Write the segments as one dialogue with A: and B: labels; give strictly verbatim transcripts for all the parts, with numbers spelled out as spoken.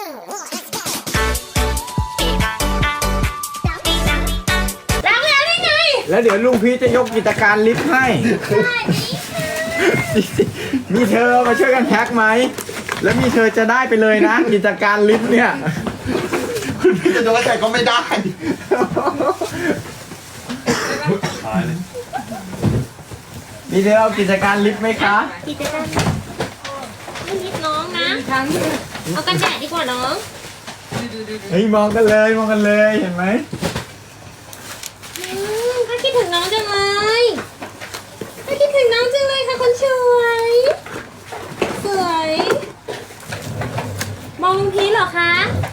A: ล้างแล้วได้ไง
B: แล้วเดี๋ยวลุงพีชจะยกกิจการลิฟต์ให้มีเธอมาช่วยกันแพ็คไหมแล้วมีเธอจะได้ไปเลยนะ กิจการลิฟต์เนี่ย
C: คุณพี่จะโดนแต่ก็ไม่ได้
B: มีเธอเอากิจการลิฟต์ไหมคะ
A: กิจการไม่นิดน้องนะเอากันแดดดีกว่าน้อง
B: เฮ้ยมองกันเลยมองกันเลยเห็นไหม
A: อืมก็คิดถึงน้องจังเลยก็คิดถึงน้องจังเลยค่ะคนสวยสวยมองลุงพีชเหรอคะ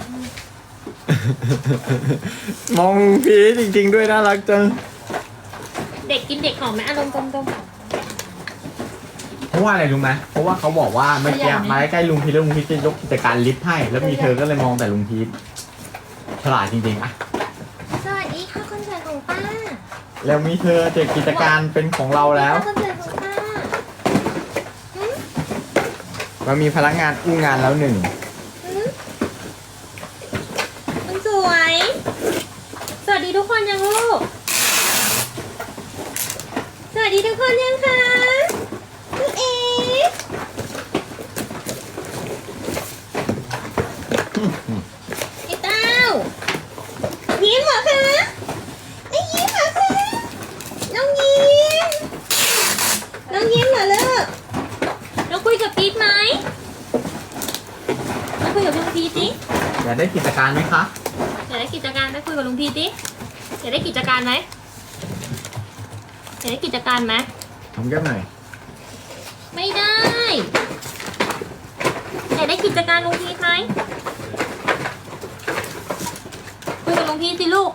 B: มองลุงพีชจริงๆด้วยน่ารักจัง
A: เด็กกินเด็กหอมไหมอารมณ์กลม
B: เพราะว่าอะไรรู้ไหมเพราะว่าเขาบอกว่าเมื่อกี้มาใกล้ๆลุงพีชแล้วลุงพีชจะยกกิจการลิฟต์ให้แล้วมีเธอก็เลยมองแต่ลุงพีชฉลาดจริงๆอะ
A: ๆสวัสดีค่ะคนสวยของป้า
B: แล้วมีเธอเจ็กิจการเป็นของเราแล้ว
A: คนสวยของป้าหืม
B: มันมีพนักงานอู้งานแล้วหนึ่ง
A: หืมคนสวย สวัสดีทุกคนยังลูก สวัสดีทุกคนยังคะลูกเอ๋ไอ้เต้ายิ้มเหรอคะไอ้ยิ้มเหรอคะน้องยิ้มน้องยิ้มเหรอลูกน้องคุยกับพีทไหมน้องคุยกับลุงพีทสิ
B: อยากได้กิจการไหมคะ
A: อยากได้กิจการไหมคุยกับลุงพีทสิอยากได้กิจการไหมอยากได้กิจการไหม
B: ทำแก้มหน่อย
A: ไม่ได้อยากได้กิจการลุงพีทไหมคุยกับลุงพีทสิลูก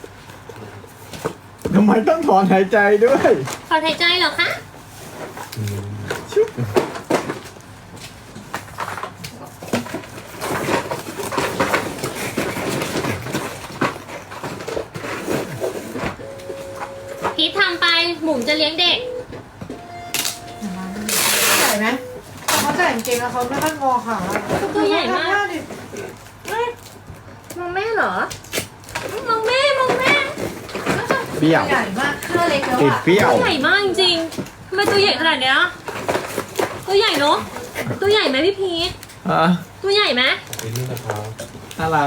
B: ทำไมต้องถอนหายใจด้วย
A: ขอหายใจเหรอคะ
B: ชุบ
A: พีททำไปหมุนจะเลี้ยงเด็ก
D: ใหญ่ไหมเขาใส่กางเกงแล้วเขาไม่ค่อยงอขา
A: ตัวใหญ่มาก
D: ดิ
A: มองแม่เหรอ มองแม่มองแม่
B: เปรี้ยว
D: ใหญ่มากเครื่องเล็กแล้ว
B: ติด
D: อ่ะ
B: เปรี้ยว
A: ตัวใหญ่มากจริงๆทำไมตัวใหญ่ขนาดเนี้ยตัวใหญ่เนอะตัวใหญ่ไหมพี่พีท
B: อ่ะ
A: ตัวใหญ่ไหม
B: น่ารัก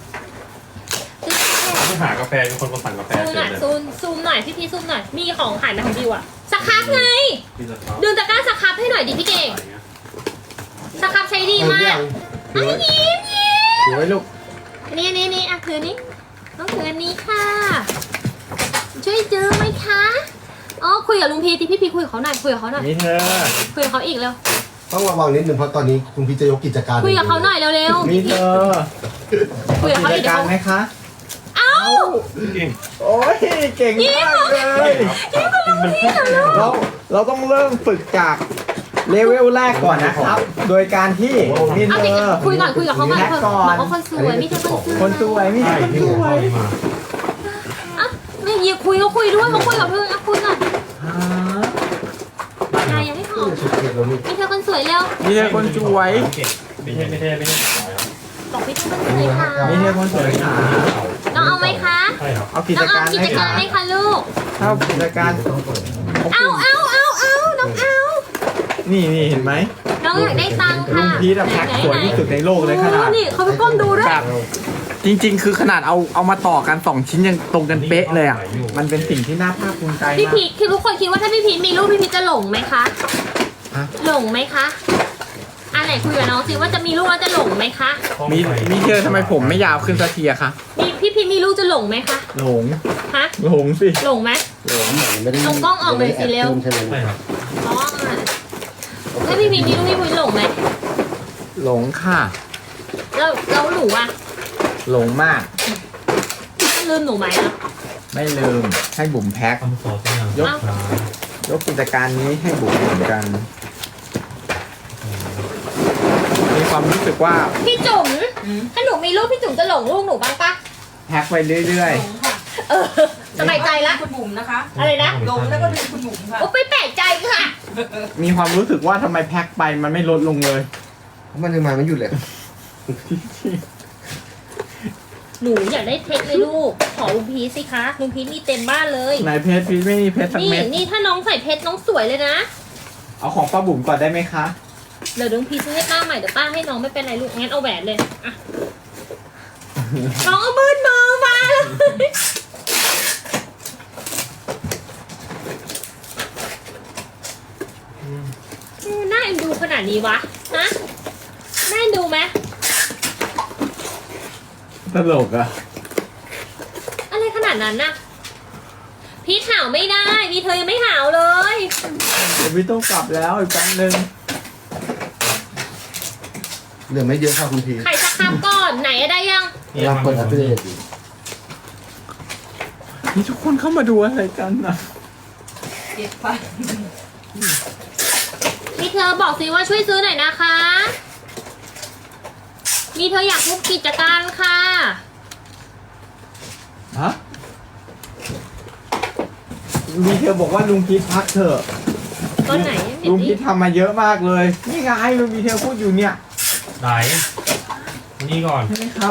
E: ไปหากาแฟมีคนมาสั่งกาแฟ
A: ซูม
E: เฉ
A: หน่อย
E: ยเลย
A: ซูมซูมหน่อยพี่พีทซูมหน่อยมีของขายไหมของบิวอะสครับไง
E: พี่จะท้า
A: ดึงตะกร้าสครับให้หน่อยดิพี่เก่ง
E: อะไรเงี้ย
A: สครับใช้ดีมาก
B: ถือไว้
A: ยิ้มยิ้ม
B: ถือไว้ลูก
A: นี่นี่นี่อ่ะถือนี้ต้องถืออันนี้ค่ะ ช่วยซื้อไหมคะอ๋อคุยกับลุงพีทีพี่พีคุยกับเขาหน่อยคุยกับเขาหน่อย
B: มีเธอ
A: คุยกับเขาอีกเร็ว
C: ต้องระวังนิดนึงเพราะตอนนี้คุณพี่จะยกกิจการ
A: คุยกับเขาหน่อยเร็วเร็ว
B: มีเธอ
A: คุยกับเขา
B: กิ
A: อี
B: จ
A: กเดี๋ย
B: กาว ร
A: เขา
B: ไหมคะ
A: เอ้า
E: จริง
B: โอ้ยเก่งมากเลย
E: มันเพิ่ง
B: เราเราต้องเริ่มฝึกจากเลเวลแรกก่อนนะครับ โดยการที่มี
A: เอา
B: เธ
A: สิ
B: อ
A: คุยก่อนคุยกับเขาก่อน
B: แพ็ค
A: เถอะ
B: ก่อบ
A: อน กว่าคนสวยมีเธอคนสวย
B: คนสวยมีเธอคนสวย
A: อ่ะไม่อย่าคุยเขาคุยด้วยเขาคุยกับเพื่อนอ่ะคุยก่อน
B: อ่า
A: นายยังไม่พอ
C: ชุดเกียรแล้วนี่
A: มีเธอคนสวยเร็ว
B: มีเธอคนสวย
E: ไม่ใช่ไม่ใช่ไม่ใช่สายครับ
A: บอกพี่เธอคนสวยค่ะ
B: มีเธอคนสวยค่ะ
A: น้องเอาไหมคะ
E: ใช่ครับ
B: เอากิ
A: น้
B: จ
A: องเอา
B: การ
A: กิ
B: ไหม
A: จกา
B: คะ
A: รไหมคะลูก
B: ถ้ากิจการ
A: เอาเอาเอาเอาน้องเอา
B: นี่นี่เห็นไหม
A: น้องอยากได้ตังค์
B: ลุ
A: ค่ะ
B: งพีทอะแพ็คสวยที่สุดในโลกเลยขนาด
A: โอ้นี่เขาไปก้มดูด้วย
B: แบบจริงๆ คือขนาดเอาเอามาต่อกันสองชิ้นยังตรงกันเป๊ะเลยอ่ะ มันเป็นสิ่งที่น่าภาคภูมิใจ
A: พี่
B: มาก
A: พีทคือทุกคนคิดว่าถ้าพี่พีทมีลูกพี่พีทจะหลงไหมคะ
B: ฮะ
A: หลงไหมคะอันไหนคุยกับน้องสิว่าจะมีลูกแล้วจะหลงไหมคะ
B: มีมีเธอทำไมผมไม่ยาวขึ้นสักทีอะคะ
A: มีพี่พีทมีลูกจะหลงไหมคะ
B: หลง
A: ฮะ
B: หลงสิ
A: หลงไหม
C: ไม่ได้
A: เอากล้องออกหน่อยสิเร็ว
C: ใช่ไหม
E: ใช่ครับ
A: อ๋อถ้าพี่พีทมีลูกพี่พีทหลงไหม
B: หลงค่ะ
A: แล้วแล้วหนูอะ
B: หลงมาก
A: ลืมหนูไหมอะ
B: ไม่ลืมให้บุ๋มแพ็ค
E: คำสอนที่ยัง
B: ยกยกกิจการนี้ให้บุ๋มเหมือนกัน มีความรู้สึกว่า
A: พี่จุ๋มถ้าหนูมีลูกพี่จุ๋มจะหลงลูกหนูบ้างปะ
B: แพ็คไปเรื่อย
A: เออสบายใจละ
D: คุณบุ๋มนะคะ
A: อะไรนะ
D: ลงแล้วก็ดึงคุณบุ๋มค่ะ
A: โอ้ไปแปลกใจค่ะ
B: ๆ มีความรู้สึกว่าทำไมแพ็คไปมันไม่ลดลงเลย
C: เพราะมันยังมาไม่หยุดเลย
A: หนูอยากได้เพชรเลยลูก ขอลุงพีชสิคะลุงพีชมีเต็มบ้านเลย
B: นายเพชรพีชไม่มีเพชรสัก
A: นี่
B: เม็ด
A: นี่ถ้าน้องใส่เพชรน้องสวยเลยนะ
B: เอาของป้าบุ๋มก่อนได้ไหมคะ
A: เดี๋ยวลุงพีชซื้อให้ป้าใหม่เดี๋ยวป้าให้น้องไม่เป็นไรลูกงั้นเอาแหวนเลยอะน้องเอามือมือมาเลยน่าเอ็นดูขนาดนี้วะฮะน่าเอ็นดูไหม
B: ตลกอะ
A: อะไรขนาดนั้นน่ะพีชหาวไม่ได้มีเธอยังไม่หาวเลย
B: เดี๋ยวพี่ต้องกลับแล้วอีกแป๊บนึง
C: เหลือไม่เยอะค่ะคุณพี
A: ไข่สักคำก่อนไหนอะได้ยัง
C: เราเปิดอัปเดตอยู่
B: นี่ทุกคนเข้ามาดูอะไรกันนะ
A: มีเธอบอกสิว่าช่วยซื้อหน่อยนะคะ มีเธออยากพูดกิจการค่ะ
B: ฮะมีเธอบอกว่าลุงพีทพักเถอะ
A: ตอนไหน
B: ลุงพีททำมาเยอะมากเลย นี่ไงลุงพีทเธอพูดอยู่เนี่ย
E: ไหนนี่ก่อน
B: ใช่ไหมครับ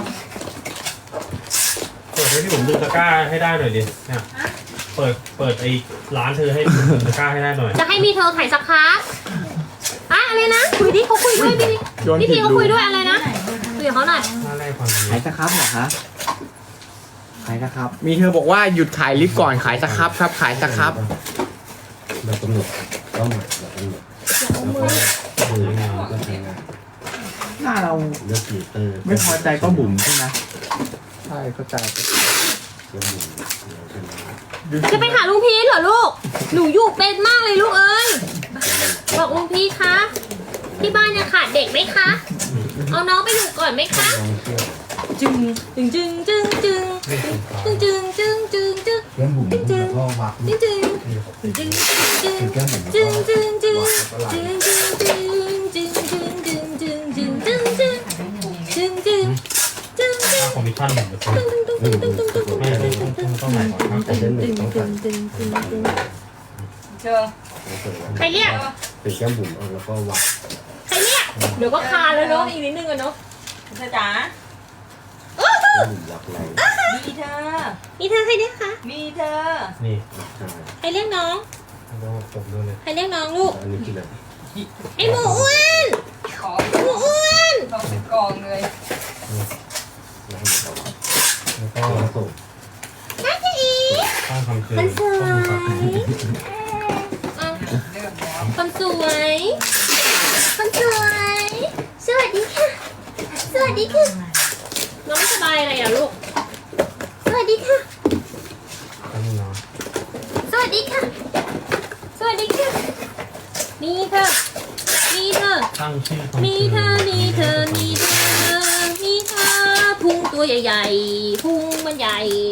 E: เปิดให้พี่ผมดึงตะกร้าให้ได้หน่อยดิเนี่ยเปิดเปิดไอ้ร้านเธอให้ดึงตะกร้าให้ได้หน่อย
A: จะให้มีเธอไข่สักคะอะอะไรนะคุยดิเขาคุยด้วยพี่
B: โยน
A: พี่
B: ผิ
A: พี
B: ด
A: เขา
B: รู
A: คุยด้วยอะไรนะคุยกับเขาหน่อย
E: หน้าแรกความ
B: ขายสครับเหรอคะขายสครับ มีเธอบอกว่าหยุดขายลิฟต์ก่อนขายสครับครับ ขายสครับ
C: เรากำหนดเป้าหมายเรากำหนดแล้วก็ดูงานก็ทำงาน
B: หน้าเรา
C: เลือกฟีเตอร์
B: ไม่พอใจก็บุ๋มใช่ไหมใช่เข้าใจ
C: เลือกบุ๋มเราเป็น
A: จะไปหาลุงพีชเหรอลูก หนูอยู่เป็นมากเลยลูกเอ้ยบอกลุงพีชคะที่บ้านยังขาดเด็กไหมคะ เอาน้องไปอยู่ก่อนไหมคะ
C: ลองเที่ยว
A: จึงจึงจึงจึงจึงจึงจึงจึงจึงจึง
C: เรื่องบุ๋มแล้วก็วัก
A: จึงจึงจึงจึง
C: คือแก้มบุ๋ม
A: จึง
C: แล้ว
A: จึงจึง
C: ก็วักแล้วก็ไหล
A: จึงจึงจึงจึงจึงจึงจึงจึงจึงจึงจึงจึงจึงจึง
E: ค่าคอมมิชชั่นหนึ่งเปอร์เซ็นต์
C: ไม่บุ๋มบุ๋ม
E: ไม่ไม่ต้องต้องต้องไหนก่อนครับ
C: แต่เล่นหนึ่งต้องการ
D: เจอ
A: ใครเรียก
C: คือแก้มบุ๋มเอาแล้วก็วัก
A: ใครเรียกเดี๋ยวก็คาแล้วเนาะอีกนิดนึงอะเนาะ
D: เธอจ๋า
C: แก้มบุ๋มวักแรง
D: มีเธอ
A: มีเธอใครเรียกคะ
D: มีเธอ
E: นี่
C: วักใช่
A: ใครเรียกน้อง
E: แล้วก็จบด้วยเลย
A: ใครเรียกน้องลูก
C: อันนี้คืออะไร
A: ไอหมูอ้วน
D: ขอ
A: หมูอ้วน
D: ต้องเป็นกองเลย
C: แล้วให้เขาวัก
E: แล้วก็
C: แล้วส่ง
A: น่าจะอี
E: ค่าคำเชิญ
A: คนสวย
E: ต้องมีครับ
A: อ่ะ
D: เริ่มแล้ว
A: คนสวยคนสวย สวัสดีค่ะ สวัสดีค่ะ น้องไม่สบายอะไรอ่ะลูก สวัสดีค่ะ
E: ต้องมีเนาะ
A: สวัสดีค่ะ สวัสดีค่ะนี่เธอนี่เธอ
E: ตั้งชื่อคำ
A: มีเธอ มีเธอ มีเธอ มีเธอ พุงตัวใหญ่ๆ พุงมันใหญ่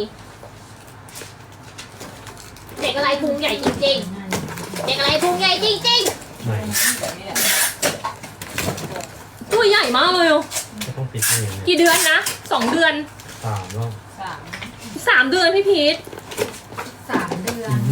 A: เด็กอะไรพุงใหญ่จริงๆ เด็กอะไรพุงใหญ่จริง
E: ไหน
A: ๆ ตัวใหญ่มากเลยอ่ะ
E: ก็ต้องติดนี่เนี่ย
A: กี่เดือนนะ สองเดือน
E: สามรอบ
D: สาม
A: สามเดือนพี่พีท
D: สามเดือน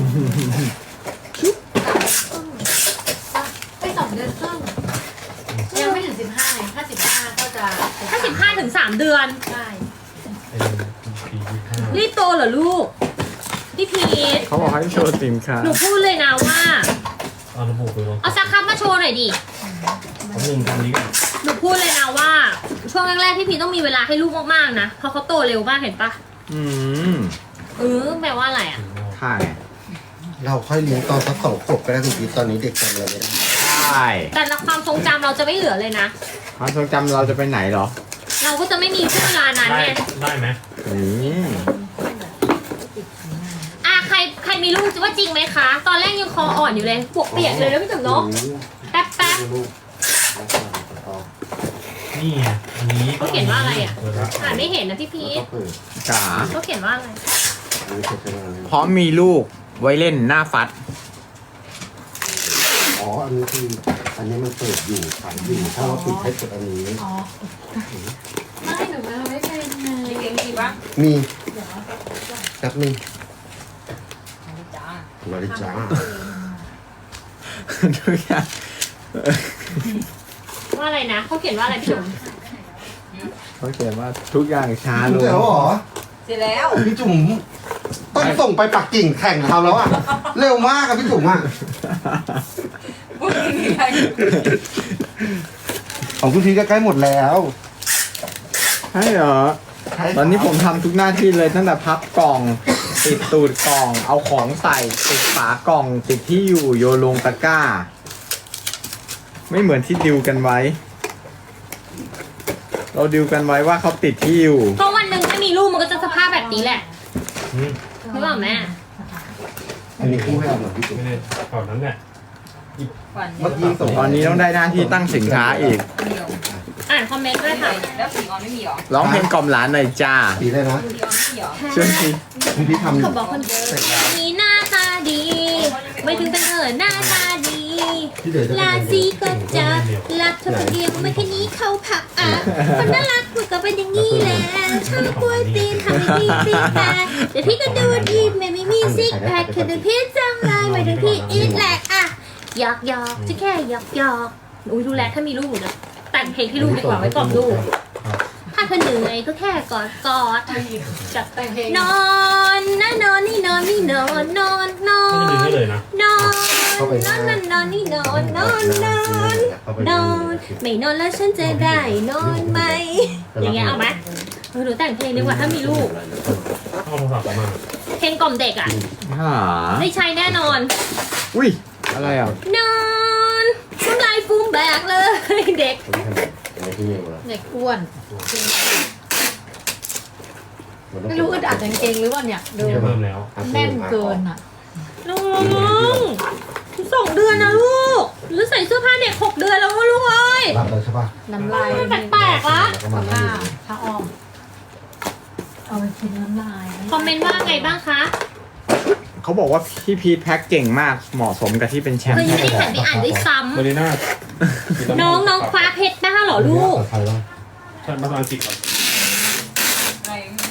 D: ไปสองเดือนครึ่งยังไม่ถึงสิบห้าไงถ้าสิบห้าก็จะ
A: ถ้าสิบห้าถึงสามเดือน
D: ใช่
E: เป็นปีที่ห้า
A: รีบโตเหรอลูก พี่พีท
B: เขาบอกให้โชว์สินค้า
A: หนูพูดเลยนะว่า
E: เอาระบุไปลง
A: เอาสักคับมาโชว์หน่อยดิ
E: ผมหนึ่งตอนนี้
A: หนูพูดเลยนะว่า ช่วงแรกๆพี่พีทต้องมีเวลาให้ลูกมากๆนะ เพราะเขาโตเร็วมากเห็นปะ
B: อืม
A: เออแปลว่าอะไรอ่ะ
B: ใช่
C: เราค่อยเลี้ยงตอนสักสองขวบก็ได้คุณพีตอนนี้เด็กจำอะไรไม่ได้
B: ใช่
A: แต่ละความทรงจำเราจะไม่เหลือเลยนะ
B: ความทรงจำเราจะไปไหนเหรอ
A: เราก็จะไม่มีช่วงเวลานั้น
E: ได้
A: ไง
E: ได้ไหม
B: นี่
A: อ่ะใครใครมีลูกจะว่าจริงไหมคะ ตอนแรกยังคออ่อนอยู่เลยปวกเปียกเลยแล้วพี่จุ๋มเนาะ แป๊บแป๊บ
C: ลูก
E: นี่ไงอันนี้
A: เขาเขียนว่าอะไรอ่ะ
E: เปิดละ
A: อ่านไม่เห็นนะพี่พี
C: แล้ว
A: ท
C: ก็เปิด
B: จ๋า
A: เขาเขียนว่าอะไร
C: อันนี้เสร็จแล้ว
B: พร้อมมีลูกไว้เล่นหน้าฟัด
C: อ๋อ อันนี้คือ อันนี้มันเปิดอยู่ขายอยู่ ถ้าเราปิดให้กดอันนี้
D: อ๋อไม่หนูไม่เป็นไงเก่งจริงปะ
C: มี
D: เดี๋ยว
C: แป๊บนึง
D: จ้า
C: มาเลยจ้า
B: ทุกอย่าง
A: ว่าอะไรนะเขาเขียนว่าอะไรพี่จุ๋ม
B: เขาเขียนว่าทุกอย่างช้าล
C: รู้
B: ง
C: แล้วเหรอ
A: เสร็จแล้ว
C: พี่จุ๋มต้องส่งไปปักกิ่งแข่งเขาแล้วอะเร็วมากอะพี่จุ๋มอะของคุณพีก็ใกล้หมดแล้ว
B: ใช่เหรอ ตอนนี้ผมทำทุกหน้าที่เลยตั้งแต่พับกล่อง ติดตูดกล่อง เอาของใส่ติดฝากล่อง ติดที่อยู่โยนลงตะกร้า ไม่เหมือนที่ดิวกันไว้ เราดิวกันไว้ว่าเขาติดที่อยู่
A: เพราะวันหนึ่งถ้ามีลูกมันก็จะสภาพแบบนี้แหละ
E: อืม
A: รู้เปล่าแม่
C: อันนี้คู่ให้กับหน่อยพี่จุ๋ม
E: ไม่ได้ตอนนั้นแหละ
C: เมื่อกี้ส่ง
B: ตอนนี้ต้องได้หน้าที่ตั้งสินค้าอีก
A: อ่านคอมเมนต์ด้วยค่ะ
F: แล้วสีออนไม่มีหรอ
B: ร้องเพลงกล่อมหลานหน่อยจ้า
C: สีเลยนะ
F: สีออนไม่มีหรอ
B: ช่วยที
C: คุณพี่ทำ
A: เขาบอกคนนี้หน้าตาดี ไม่ถึงเป็นเออหน้าตาดี
C: ที่เหลือจะ
A: ราศีก็จะรักเธอคนเดียวไม่แค่นี้เขาผักอ่ะคนน่ารักมันก็เป็นอย่างนี้แหละชอบกล้วยตีนทำให้พี่ซีแพคเดี๋ยวพี่ก็ดูดีไม่ไม่มีซิกแพคคือแต่พี่จังเลยไม่ถึงพี่อีทแหลกอ่ะหยอกหยอกจะแค่หยอกหยอกอุ้ยดูแลถ้ามีลูกหนูจะแต่งเพลงให้ลูกดีกว่าไว้กล่อมลูก ถ้าเธอเหนื่อยก็แค่กอดกอด
D: จัดแต่งเพลง
A: นอนนะนอนนี่นอนนี่นอนนอนนอ
E: ไม่ได้ดึง
A: น
E: ให้เลยนะ
A: นอนนอนนอนนอนนี่นอนนอนนอนนอนไม่นอนแล้วฉันจะได้นอนไหมอย่างเงี้ยเอาไหมเออหนูแต่งเพลงดีกว่าถ้ามีลูก
E: เอาโทรศัพท์มา
A: เพลงกล่อมเด็กอ่ะ
B: หา
A: ได้ใช้แน่นอน
B: อุ้ย อะไรอ่ะ
A: นอนน้ำลายฟูมแบกเลยเด็ก
D: เด็กอ้วนไม่รู้อึดอัดกางเกงหรือว่าเนี่ยดู
E: เริ่มแล้ว
D: แน่นเกินอ่ะ
A: น้องสองเดือนนะลูกหรือใส่เสื้อผ้าเด็กหกเดือนแล้วลูกเอ้ย
C: รับเลยใช่ป่ะ
D: น้ำลาย
A: แปลกๆละ
C: แล้วก็มา
D: ผ้าผ้าอ้อมเอาไปกินน้ำลาย
A: คอมเมนต์ว่าไงบ้างคะ
B: เขาบอกว่าพี่พีทแพ็คเก่งมาก เหมาะสมกับที่เป็นแชม
A: เค
B: ป์
A: ยยังไม่ได้หันไปอ่านด้วยซ้
E: มารีน่า
A: ำน้องน้องคว้าเพชรได้เหรอลูก
C: ใครบ้าง
E: ใช่ภาษาอังกฤษก่อน
F: อะไร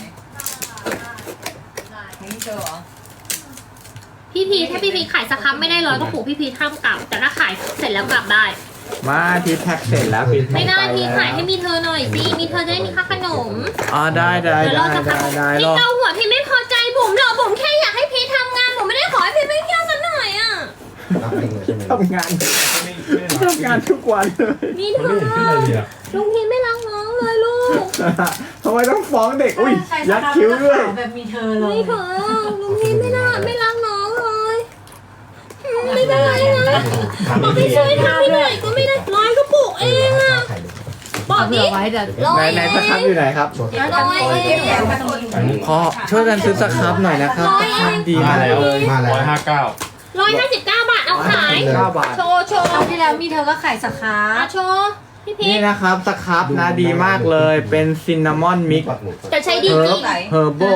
F: ไม่เจอเหรอ
A: พี่พีทถ้าพี่พีทขายสครับไม่ได้ร้อยก็ปลูกพี่พีทห้ามกลับ แต่ถ้าขายเสร็จแล้วกลับได้
B: มาพีทแพ็คเสร็จแล้วพีทแพ็ค
A: ไม่ได้
B: ป
A: พี่
B: แล้ว
A: ขายให้มีเธอหน่อยสิมีเธอจะได้มีค่าขนม
B: อ๋อได้ได้
A: เดี๋ยว
B: ได้
A: เราจะ
B: ได้
A: ทำ
B: ได้
A: พี่
B: รอ
A: เกาหัวพี่ไม่พอใจบุ๋มหรอกบุ๋มแค่อยากให้พีททำงานบุ๋มไม่ได้ขอให้พีทไปเที่ยวสักหน่อยอ่ะ
C: รับเองเลยใช่ไหม
B: ทำงาน
E: ไม่ไม่ได้
B: ทำงานทุกวันเลย
A: นี่
E: มัน
A: เธ
E: ไม่
A: อ
E: เห็นที่อะไรเลยอ่ะ
A: ลุงพีทไม่รักน้องเลยลูก
B: ทำไมต้องฟ้องเด็ก อุ้ย
D: ใช่
B: ยัดคิ้วด้วย
D: แบบมีเธอเลย
A: นี่เธอลุงพีทไม่น่าไม่รักน้องเลยอืมไม่ได้นะบอกพี่ช่วยทำให้หน่อยก็ไม่ได้ร้อยก็ปลูกเองอ่ะบอก
D: เผื่
A: นี่
D: อไว้เดี๋ยว
A: ร้อ
B: ไหน
A: ย
B: ไหน
A: เอ
B: สครับ
A: ง
B: อยู่ไหนครับ
A: ร้อยเอง
B: ขอช่วยกันซื้อสครับหน่อยนะครับสครับดีมากเลย
C: มาแล้ว
E: ร้อยห้าเก้า
A: ร้อยห้าสิบเก้าบาทเอาขาย
B: เก้าบาท
A: โชว์โชว์
D: คราวที่แล้วมีเธอก็ขายสคา
A: อ่ะโชว์พี่พี
B: นี่
A: ท
B: นะครับสครับนะดีมากเลย เป็นซินนามอนมิก
A: จะใช้ดี
B: เฮิ
A: จริ
B: ร์
A: ง
B: บเฮอร์โบ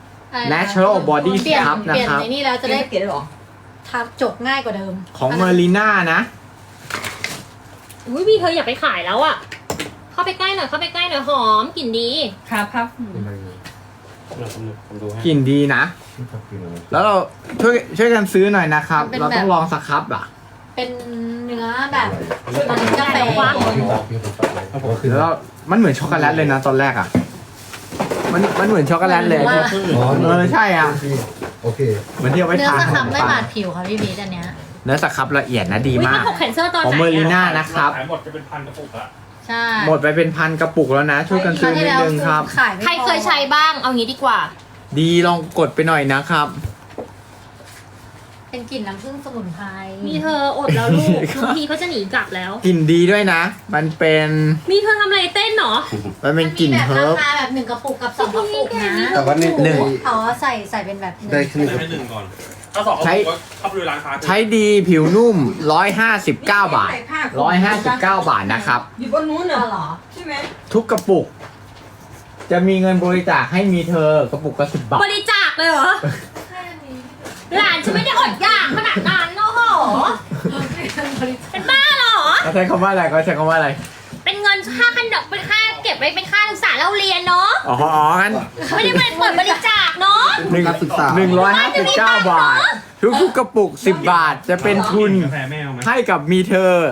B: Natural Body
D: เปลี่ยน
B: Scrub นะ
D: เปลี่ยน
B: ครับ
D: ในนี่แล้วจะได้
F: เขียนหรอ
D: ทับจบง่ายกว่าเดิม
B: ของเมอริน่านะ
A: อุ้ยพี่เธออย่าไปขายแล้วอ่ะ เข้าไปใกล้หน่อยเข้าไปใกล้หน่อยหอมกลิ่นดี
F: ครับครับ
E: เราผมผมดูให้
B: กลิ่นดีนะ แล้วเราช่วยช่วยกันซื้อหน่อยนะครับ เราต้องลองสครับอ่ะ
D: เป็นเนื้อแบบมันกาแฟ
B: แล้วเรามันเหมือนช็อกโกแลตเลยนะตอนแรกอ่ะ มันมันเหมือนช็อกโกแลตเลย
D: ว่า
B: เออใช่อ่ะ
C: โอเค
B: เหมือนที่เอาไว้
D: เนื้อ
B: ทา
D: ส
B: ข
D: คน รั
B: ม
D: บไม่
B: ปัง
D: บาดผิวค่ะพี่บีอันเนี้ย
B: เนื้อสครับละเอียดนะดี
A: อุ้ย
B: มา
A: ถ้าก ถกแขนเสื้อตอน
B: ของ
A: ไหน
B: เมอริ
A: อะ
B: น่านะครับ
E: ขายหมดจะเป็นพันกระปุกละ
D: ใช่
B: หมดไปเป็นพันกระปุกแล้วนะ ช่วยกัน
D: ครา
B: ซื้
D: ว
B: อ
D: ที่
B: นิด
D: แล้ว
B: นึงครับ
D: ขายไม่พอ
A: ใครเคยใช้บ้างเอางี้ดีกว่า
B: ดีลองกดไปหน่อยนะครับ
D: เป็นกลิ่นน้ำผึ้งสมุนไพร
A: มีเธออดแล้วลูกบางทีเขาจะหนีกลับแล้ว
B: กลิ่นดีด้วยนะ มันเป็น
A: มีเธอทำอะไรเต้นเหรอ
B: มันเป็นกลิ่น
D: แบบ
B: เฮิร์บ
D: ราคาแบบหนึ่งกระปุกกับสองกระปุกนะ
C: แต่ว่านี่
B: หนึ่ง
D: อ๋อใส่ใส่เป็นแบบหนึ่ง
C: ได้ขึ้น
E: ให้หนึ่งก่อน ถ้าสองเขา
B: ใช้
E: บอกว่าเข้าไปดูร้านค้า
B: ใช้ดีผิวนุ่ม หนึ่งร้อยห้าสิบเก้า บาท หนึ่งร้อยห้าสิบเก้า บาทนะครับ
F: อยู่บนนู้น
D: อ๋อ
F: เห
D: เห
F: ร
D: ร
F: อ
D: อ
F: ใช่ไหม
B: ทุกกระปุก จะมีเงินบริจาคให้มีเธอกระปุกละสิบบาท
A: บริจาคเลยเหรอ หลานฉันไม่ได้อดอยากขนาดนั้นโอ้โหเป็นบ้าเหรอ
B: เขาใช้คำว่าอะไรเขาใช้คำว่าอะไร
A: เป็นเงินค่าขนมเป็นค่าเก็บไว้เป็นค่าศึกษาเราเรียนเนาะ
B: อ๋ออ๋องั้น
A: ไม่ได้เปิดบริจาคเนาะ
B: หนึ่ง
C: การศึกษา
B: หนึ่งร้อยห้าสิบเก้าบาท ทุกๆกระปุกสิบบาทจะเป็นทุน
E: กาแฟแม่เอาไหม
B: ให้กับมีเธอ เ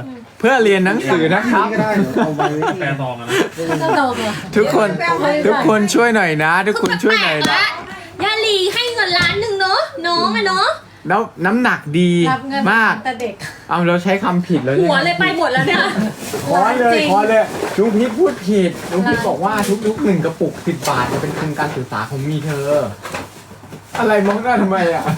B: พื่อเรียนหนังสือนะครับ
C: ก็ได้เอาไป
E: แปรซองอะนะ
D: ก็โตเลย
B: ทุกคนทุกคนช่วยหน่อยนะ ทุกคนช่วยหน่อยนะ
A: ยาหลีให้เงินล้านหนึ่งเนาะน้องอะเนาะ
B: แล้วน้ำหนักดี
D: รับเงิน
B: มาก
D: แต่เด็ก
B: เอาเราใช้คำผิดแล้ว
A: หัวเลยไปหมดแล้วเนี่ย
B: ขอเลย
D: จริง
B: ขอเลยลุงพีทพูดผิดลุงพีทบอกว่าทุกๆหนึ่งกระปุกสิบบาทจะเป็นทุนการศึกษาของมีเธอ อะไรมองหน้าทำไมอ่ะ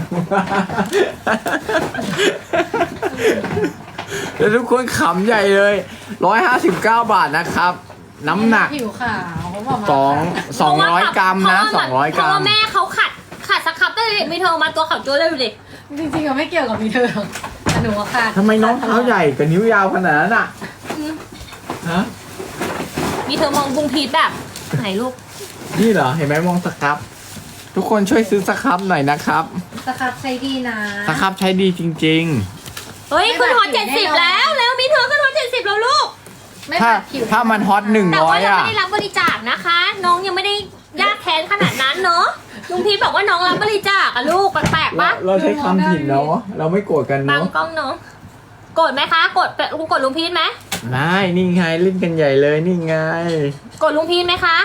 B: แล้วทุกคนขำใหญ่เลยร้อยห้าสิบเก้าบาทนะครับ น้ำหนัก
D: ผิวขาวเขาบอกมา
B: สองสองร้อยกรัมนะสองร้อยกรั
A: เพราะ
B: ม
A: ว่าแม่เขาขัดขัดสครับตั้งแต่เด็กมีเธอมาตัวเขาโจ้เลยดูดิ
D: จริงๆก็ไม่เกี่ยวกับมีเธอหรอกแต่หนูว่าขาด
B: ทำไมน้องเท้าใหญ่กับนิ้วยาวขนาดนั้นอ่ะฮะ
A: มีเธอมองบุงพีทแบบไหนลูก
B: นี่เหรอ เห็นไหมมองสครับ ทุกคนช่วยซื้อสครับหน่อยนะครับ
D: สครับใช้ดีนะ
B: สครับใช้ดีจริง
A: เฮ้ยขึ้นฮอตเจ็ดสิบแล้วแล้วมีเธอขึ้นฮอตเจ็ดสิบแล้วลูก
D: ไม่
B: ๆ ถ้า
D: บาดผิว
B: ถ้ามันฮอตหนึ่ง
A: แต่
B: ร้อ
A: ว่าย ยัง
B: อ่ะ
A: ไม่ได้รับบริจาคนะคะ น้องยังไม่ได้ยากแค้นขนาดนั้นเนาะลุงพีทบอกว่าน้องรับบริจาคอะลูกแปลกๆ
B: เรา
A: ปะ
B: เราใช้คำผิดเนาะเราไม่โกรธกัน
A: บาง
B: เนาะ
A: กล้องน้องโกรธไหมคะโกรธลุงโกรธลุงพีทไหม
B: ไม่นี่ไงเล่นกันใหญ่เลยนี่ไง
A: โกรธลุงพีทไหมคะ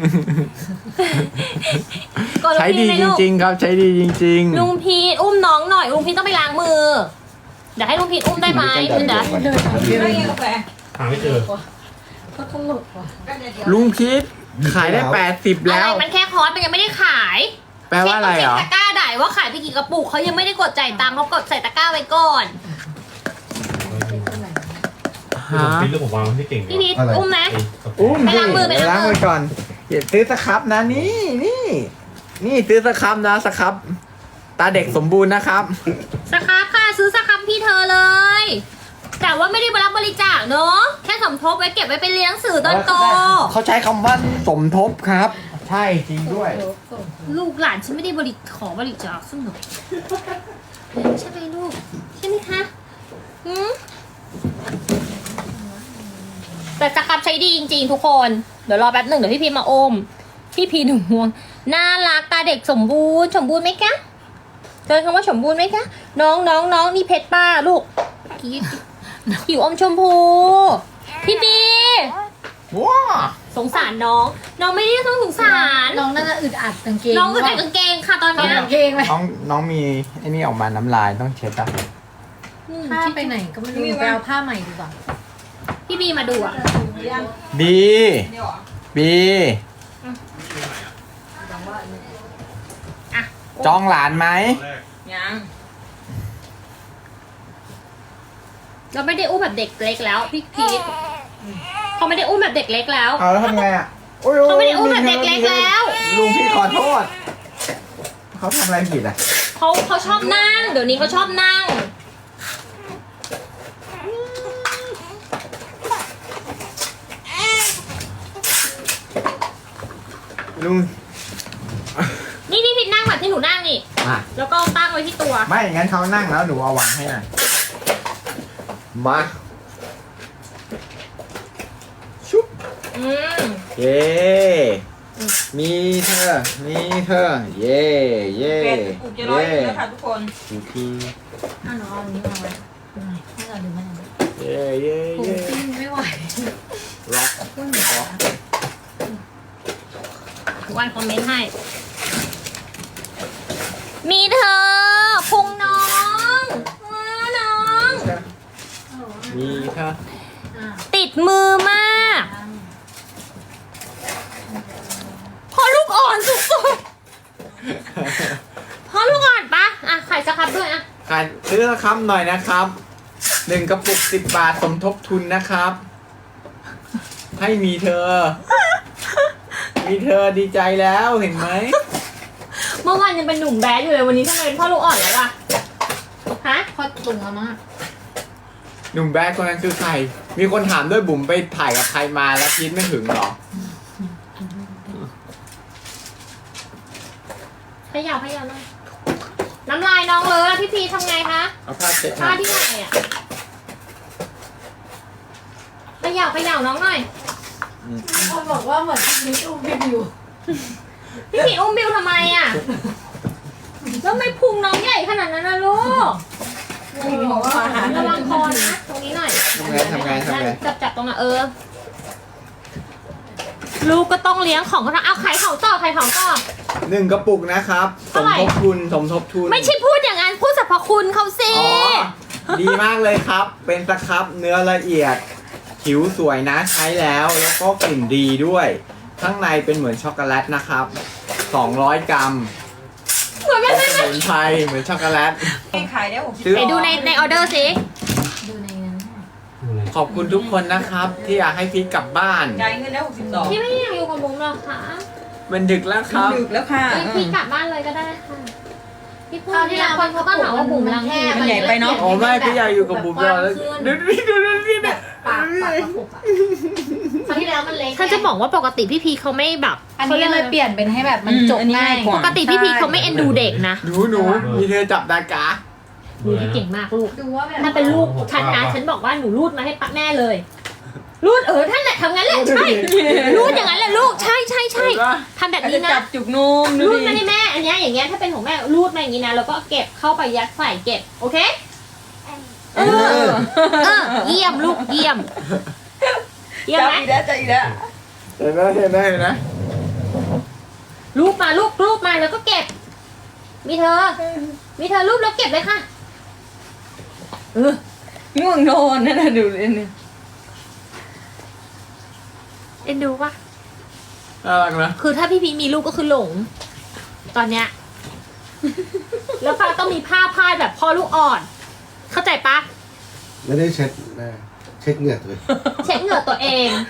A: โกรธลุ
B: ใช้
A: งพี
B: ดี
A: ทไหม
B: จ
A: ลูก
B: ริง ๆ ครับใช้ดีจริง
A: ลุงพีทอุ้มน้องหน่อยลุงพีทต้องไปล้างมือเดี๋ยวให้ลุงพีทอุ้มได้ไหมเดี๋ยว
D: เดิน
F: ไม่ได้กินกาแฟ
E: หาไม่เจอ
D: ก็ตลกว่ะ
F: ก็เดี๋ยวเดี๋ยว
B: ๆ ลุงพีทขายได้แปดสิบ
A: อะไร
B: แล้ว
A: มันแค่คอร์สมันยังไม่ได้ขาย
B: แปลว่าอะไรเหรอ
A: เช็คตะกร้าได้ว่าขายไปกี่กระปุกเขายังไม่ได้กดจ่ายตังค์เขากดใส่ตะกร้าไว้ก่อน
B: ฮะ
E: พี่ลูกผมวางไว้ที่เก่ง
A: พี่พีทอุ้มไหม
B: อุ้ม
A: ไป
B: สิ
A: ล้างมือไป
B: ไป
A: ล้างมือ
B: ล้างมือก่อนอย่าซื้อสครับนะนี่นี่นี่ซื้อสครับนะสครับ ตาเด็กสมบูรณ์นะครับ
A: สครับค่ะซื้อสครับพี่เธอเลย แต่ว่าไม่ได้รับบริจาคเนอะแค่สมทบไว้เก็บไว้ไปเรียนหนังสือตอนโต
B: เขาใช้คำว่าสมทบครับ ใช่จริงด้วย
A: ลูกหลานฉันไม่ได้บริขอบริจาคสักหน่อยใช่ไหมลูกใช่ไหมคะหืมแต่สครับใช้ดีจริงๆทุกคนเดี๋ยวรอแป๊บหนึ่งเดี๋ยวพี่พีมาอมพี่พีหนุ่มห่วงน่ารักตาเด็กสมบูรณ์สมบูรณ์ไหมคะเจอคำว่าสมบูรณ์ไหมคะน้องน้องน้องนี่เพชรป้าลูกผิวอมชมพูพี่บี
B: ว้า
A: สงสารน้อง น้องไม่ได้ต้องสงสาร
D: น้องน่าจะอึดอัดกางเกง
A: น้องก็ใส่กางเกงค่ะตอน
D: เอา
A: เนี้ย
D: กางเกงไหม
B: น้องน้องมีไอ้นี่ออกมาน้ำลายต้องเช็ดอ่ะ
A: อืม
D: ผ้าไปไหนก็ไม่รู้ไปเอาผ้าใหม่ดีกว่า
A: พี่บีมาดูอ่ะ
F: ยัง
B: บี
F: เดี๋ยวเหรอ
B: บี
A: อ่ะ
B: จองหลานไหม
F: ยัง
A: เราไม่ได้อุ้มแบบเด็กเล็กแล้วพี่พีทเขาไม่ได้อุ้มแบบเด็กเล็กแล้ว
B: เอาแล้วทำไงอ่ะโอ้ย
A: เขาไม่ได้อุ้มแบบเด็กเล็กแล้ว
B: ลุงพี่ขอโทษเขาทำอะไรผิดอ่ะ
A: เขาเขาชอบนั่ง เดี๋ยวนี้เขาชอบนั่ง
B: ลุง
A: นี่พี่พีทนั่งแบบที่หนูนั่งนี่
B: อ่ะ
A: แล้วก็ตั้งไว้ที่ตัว
B: ไม่งั้นเขานั่งแล้วหนูเอาวางให้หน่อยมาชุบ
A: อืม
B: เย่มีเธอ มีเธอ เย่เย่
F: เป็ดอุกจะร้อย
B: เย่
F: แล้วค่ะทุกคน
B: ทุกที
D: อ่ะหนูเอาอันนี้มาไว้ไม่เอาหรือไม่เอา
B: เย่เย่
D: ผม
B: เย่
D: ปิ้งไม่ไหว
B: ร็อก
A: ทุกวันคอมเมนต์ให้ มีเธอพุงน้องว้าน้อง
B: มีเธอ
D: อ่ะ
A: ติดมือมากพอลูกอ่อนสุดๆพอลูกอ่อนปะอ่ะไข่สครับด้วยอ่ะ
B: ขายซื้อสักคำหน่อยนะครับหนึ่งกระปุกสิบบาทสมทบทุนนะครับ ให้มีเธอ มีเธอดีใจแล้วเห็นไหม
A: เมื่อวานยังเป็นหนุ่มแบดอยู่เลยวันนี้ทำไมเป็นพ่อลูกอ่อนแล้ววะฮะ
D: พอตุงแล้วมั้ง
B: หนุ่มแบดคนนั้นคือใคร มีคนถามด้วยบุ๋มไปถ่ายกับใครมาแล้วพีทไม่ถึงหรอ
A: ขยับขยับหน่อยน้ำลายน้องเลยอะพี่พีทำไงคะ
B: เอาผ้าเช็ดห
A: ผ้า
B: น่อย
A: ที่ไหนอ่ะขยับขยับน้องหน่อย
D: คนบอกว่าเหมือนมิสอุ้มพี่บิว
A: พี่พีทอุ้มบิวทำไมอ่ะแล้วทำไม่พุงน้องใหญ่ขนาดนั้นนะลูก ฮระวังคอนะตรงนี้หน่อย
B: ทำไงทำไงทำไง
A: จับจับตรงนั้นเออ ลูกก็ต้องเลี้ยงของเขาเอาขายของต่อขายของต่อ
B: หนึ่งกระปุกนะครับส
A: เท่าม ไหร่
B: ทบทุนสมทบทุน
A: ไม่ใช่พูดอย่างนั้นพูดสรรพคุณเขาสิ
B: อ๋อ ดีมากเลยครับ เป็นสครับเนื้อละเอียด ผิวสวยนะใช้แล้ว แล้วก็กลิ่นดีด้วย ข้างในเป็นเหมือนช็อกโกแลตนะครับ สองร้อย กรัม
A: เหมือนกันไหม
B: สมุนไพรเหมือนช็อกโกแลต
F: ขายได้หกสิบ
B: ซื้อ
A: ไหนดูในในออเดอร์สิ
D: ดูในนั้น
B: ขอบคุณทุกคนนะครับ ที่อยากให้พีทกลับบ้าน
F: จ่ายเงินได้หกสิบสอง
A: พี่ไม่อยากอยู่กับบุ๋มหรอกค่ะ
B: มันดึกแล้วครับ
F: ดึกแล้วค่ะ
A: พี่พี่กลับบ้านเลยก็ได้ค่ะพี่พูดที่ละคนเขาก็หาว่าบุ๋มรังแค
F: มันใหญ่ไปเนอะ
B: อ๋อไม่พี่อยากอยู่กับบุ๋มแล้วดูดิดูดิดูดิเนี่ย
D: ปากปากกระปุกอะคราวที่แล้วมันเล็ก
A: ท่านจะบอกว่าปกติพี่พีเขาไม่แบบ
D: อันนี้เลยเปลี่ยนเป็นให้แบบมันจบง่าย
A: ปกติพี่พีเขาไม่เอ็นดูเด็กนะ
B: หนูหนูมีเธอจับดากา
A: ดูที่เก่งมากลูก
D: ดูว่าแบบ
A: ถ้าเป็นลูกฉันนะฉันบอกว่าหนูรูดมาให้ป้าแม่เลย รูดเออท่านแหละทำงั้นแหละใช่รูดอย่างนั้นแหละลูกใช่ใช่ใช่
B: เห็นปะ
A: ทำแบบ
F: จะ
A: นี้
F: จั
A: นะ
F: บจุกนุ่มดู
A: รูด
F: ดิ
A: มาให้แม่อันเนี้ยอย่างเงี้ยถ้าเป็นของแม่รูดมาอย่างนี้นะแล้วก็เก็บเข้าไปยัดใส่เก็บโอเค
B: เออ
A: เออเยี่ยมลูกเยี่ยมเยี่ยม
F: จับ
A: ไหม
F: อีกแล้วจับอีกแล้ว
B: เห็นไหมเห็นไหมเห็นไหม
A: รูปมาลูกรูปมาแล้วก็เก็บ มีเธอ มีเธอรูปแล้วเก็บเลยค่ะเออ
F: ง่วงนอนนั่นน่ะดูเลยเนี่ย
A: เอ็นดูปะ
B: น่ารักนะ
A: คือถ้าพี่พีมีลูกก็คือหลง ตอนเนี้ย แล้วป้าต้องมีผ้าพาดแบบพ่อลูกอ่อน เข้าใจปะ
C: ไม่ได้เช็ดหน้าเช็ดเหงื่อตัวเอง
A: เช็ดเหงื่อตัวเอง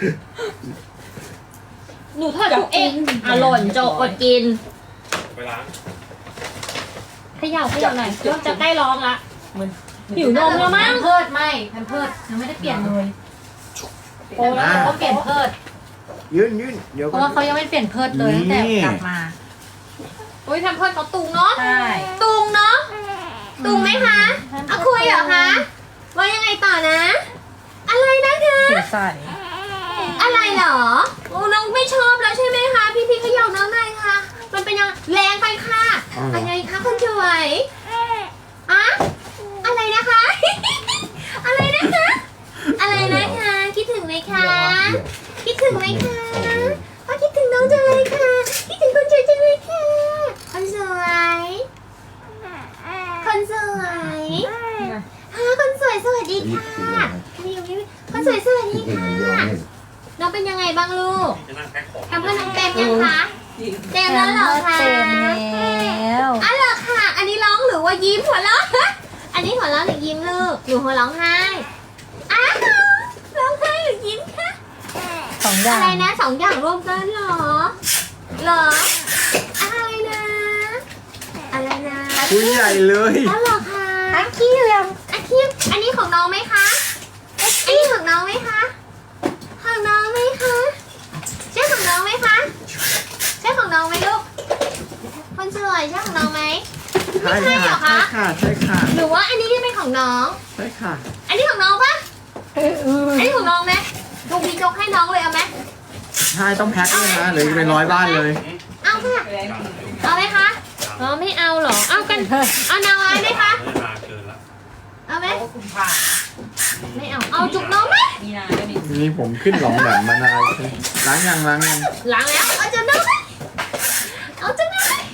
A: หนูทอดทุกเองอ่ะหล่นโจอดกิน
E: ไปล้าง
A: เขย่าเขย่าหน่อยเริ่มจะใกล้ร้องละหิวนมแล้วมั้ง
D: เพิดไม่แพมเพิดยังไม่ได้เปลี่ยนเลยโอ้แล้วเขาก็เปลี่ยนเพิด
B: ยื่นยื่นเดี๋ยว
D: เพ
B: ก่อ
D: ราะว่าน เขายังไม่เปลี่ยนเพิดเลยตั้งแต่กลับมา
A: โอ้ยทำเพื่อนเขาตุงเนาะ
D: ใช่
A: ตุงเนาะตุงไหมคะเอาคุยเหรอคะว่ายังไงต่อนะ อะไรนะคะ
F: เสียใส่
A: อะไรเหรอโอ้น้องไม่ชอบแล้วใช่ไหมคะพี่พี่เขย่าน้องหน่อยค่ะ มันเป็นยังแรงไปค่ะอะไรคะคนสวยอะอะไรนะคะ อะไรนะคะ อะไรนะคะคิดถึงไหมคะ คิดถึงไหมคะพ่อคิดถึงน้องจังเลยค่ะ คิดถึงคนสวยจังเลยค่ะ คนสวย คนสวยฮะคนสวยสวัสดีค่ะนี่อยู่นี่คนสวยสวัสดีค่ะ น้องเป็นยังไงบ้างลูก
E: จะนั่งแพ็คของ
A: ทำเพื่อนน้องเต็มยังคะ เต็มแล้วเหรอคะ
D: เต็มแล้ว
A: อ๋อเหรอค่ะ อันนี้ร้องหรือว่ายิ้มหัวเราะ อันนี้หัวเราะหรือยิ้มลูกหนูหัวร้องไห้อ้าวร้องไห้หรือยิ้มคะ
D: สองอย่า
A: อะไร
D: ง
A: นะสองอย่างรวมกันเหรอเหรออะไรนะ อะไรนะ
B: คุยใหญ่เลย
A: อ๋อเหรอคะอาคีมอาคีมอันนี้ของน้องไหมคะอันนี้ของน้องไหมคะของน้องไหมคะใช่ของน้องไหมคะใช่ของน้องไหมลูกคนสวยใช่ของน้องไหม
B: ใช่ค่ะ ใช่ค่ะ ใช่ค่ะ
A: หรือว่าอันนี้ที่เป็นของน้อง
B: ใช่ค่ะ
A: อันนี้ของน้องปะอันนี้ของน้องไหมลุงพี่จกให้น้องเลยเอาไหม
B: ใช่ต้องแพ็คด้วยนะหรือเป็นร้อยบ้านเลย
A: เอาค่ะ
F: แรงจริง
A: เอาไหมคะอ๋อไม่เอาเหรอ เอากัน เอานางร้ายไหมคะ
E: ไม่นานเกินละ
A: เอาไหม
F: เพราะว่าคุมผ่า
A: ไม่เอา เอาจุกน้องไหม
F: มีนาก็ดี
B: นี่ผมขึ้นหลองแบบมานานล้างยังล้างยัง
A: ล้างแล้ว เอาจุกน้องไหมเอาจุกน้องไหม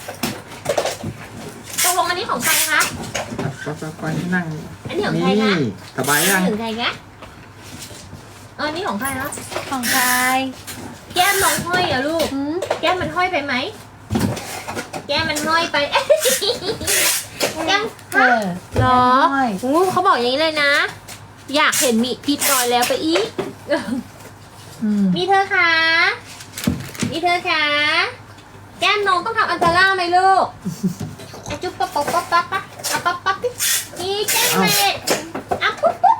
A: ตกลงอันนี้ของใครคะ
B: ก็จะไปนั่ง
A: อันนี้ของใคร
B: นี่
A: คะ
B: สบายยัง
A: ถึงใครคะเอออันนี้ของใครคะ
D: ของใคร
A: แก้มน้องห้อยเหรอะลูก
D: หืม
A: แก้มมันห้อยไปไหม แก้มมันห้อยไป เอ๊ะแก้ม
D: เออ
A: เหรอ
D: ห้อย
A: งูเขาบอกอย่างนี้เลยนะ อยากเห็นมีพิษรอยแล้วไปอีก
D: อืม
A: มีเธอคะมีเธอคะแก้มน้องต้องทำอันตราไหมลูกอะจุ๊บปั๊บปั๊บปั๊บปั๊บปั๊บอ่ะปั๊บปั๊บดินี่แก้มเม็ดอ่ะปุ๊บปุ๊บ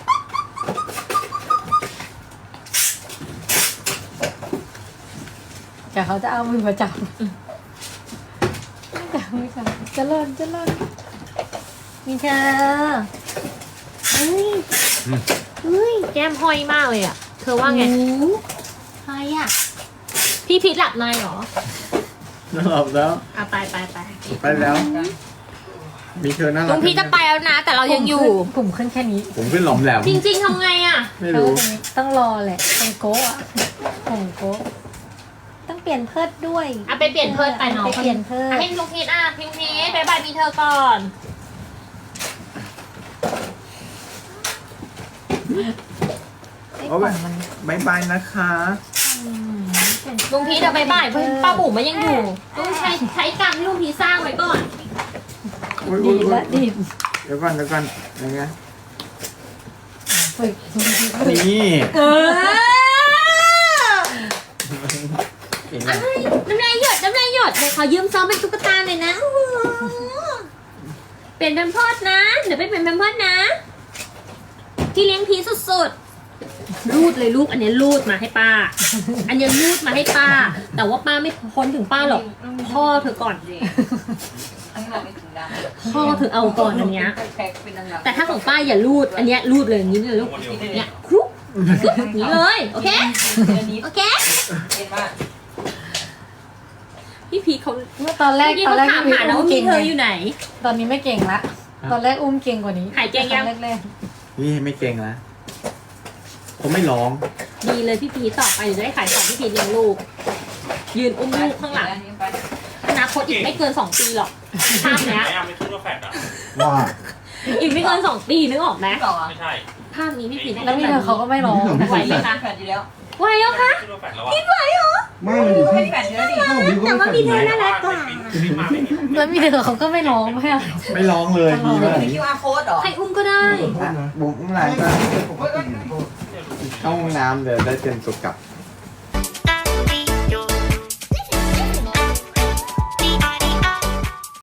D: แต่เขาจะเอามือมาจับจับมือจับจะเลินจะเลินมีเธอ
A: เฮ้ยเฮ้ยแก้มห้อยมากเลยอ่ะ เธอว่าไง
D: หูใครอ่ะ
A: พี่พิษหลับในเหรอ
B: หลับแล้ว
A: อ่ะไปไปไป
B: ไปแล้วมีเธอน่ารัก
A: ลุงพีจะไปแล้วนะ แต่เรายังอยู่
G: ผมขึ้นแค่นี้
B: ผมขึ้นหลอมแหลม
A: จริง ๆทำไงอ่ะ
B: ไม่รู้
G: ต้องรอแหละตรงโก้อะผมโก้ต้องเปลี่ยนเพิดด้วย
A: อ่ะไปเปลี่ยนเพิร์ดไปน้อง
G: ไปเปลี่ยนเพิด
A: อ่ะให้ลุงพีทอ่ะลุงพีทบายบายมีเธอก่อน
G: ไอ้
B: โอ้
G: ข
B: ย
G: องมัน
B: บายบายนะคะ
A: ลุงพีทจะบายบายป้าบุ๋มมันยังอยู่ต้องใช้ใช้กรรมที่ลุงพีทสร้างไว้ก่อน
B: อุ๊ย
G: ดี
B: อุ๊ยอุ๊ย
G: ละดี
B: เดี๋ยวก่อนเดี๋ยวก่อนยังไง
G: ฝึก
B: นี่
A: เออ
B: เห็นไหม
A: น้ำลายหยดน้ำลายหยดเดี๋ยวขอยืมซ้อมเป็นตุ๊กตาหน่อยนะโอ้โหเปลี่ยนแพมเพิร์สนะ เดี๋ยวไปเปลี่ยนแพมเพิร์สนะ พี่เลี้ยงพีสุดๆ รูดเลยลูก อันนี้รูดมาให้ป้า อันนี้รูดมาให้ป้า แต่ว่าป้าไม่พ้นถึงป้าหรอก พ่อเธอก่อน
F: อันนี้บอกไม่ถึงดัง
A: พ่อเธอเอาก่อนอันเนี้ย
F: แพ็คเป็นดัง
A: แต่ถ้าของป้าอย่ารูด อันเนี้ยรูดเลยอย่างนี้เลยลูก เนี่ยครุกอย่างนี้เลย โอเค
F: อันนี้
A: โอเค
F: เห็นว่า
A: พี่พีเขา
G: เมื่อตอนแรก
A: เมื่อกี้
G: ตอน
A: เขา
G: แรก
A: ถามหานะว่ามีเธออยู่ไหน
G: ตอนนี้ไม่เก่งละ ตอนแรกอุ้มเก่งกว่านี้
A: หายเก่งยัง
G: ตอนแรก
B: นี่ไม่เก่งแล้วผมไม่ร้อง
A: ดีเลยพี่พีต่อไปเดี๋ยวจะได้ขายของพี่พีเลี้ยงลูก ยืนอุ้มลูกข้างหลัง
F: อันนี้ไป
A: อนาคตอีกไม่เกินสองปีหรอกภาพเนี้ย
E: ไหนอะไม่คิดว่าแฟดอ่ะ
B: ว่า
A: อีกไม่เกินสองปีนึกออกไหม
F: ไม่บอกอ่ะ
E: ไม่ใช่
A: ภาพนี้พี่พี
G: ๆแล้วมีเธอเขาก็ไม่ร้อง
A: ไหวไหมคะ
F: แปดอยู่แล้ว
A: ไหวแล้วคะ
E: คิดว่าแฟดแล้วอ่ะ
A: คิดไหวเหรอ
C: ไม่มันอยู่
F: ไม่
C: ที่
F: แปดอยู่แล้วดิ
A: แต่ว่ามีเธอน่ารักกว่า
E: ไม่มาไม่มี
G: แล้วมีเธอเขาก็ไม่ร้องไม่อะ
B: ไม่ร้องเลยดีมาก
F: มี คิว อาร์ code เหรอ
A: ใครอุ้มก็ได้
B: บุ๋มอุ้มไหนก็เข้าห้องน้ำเดี๋ยวได้เตรียมตัวกลับ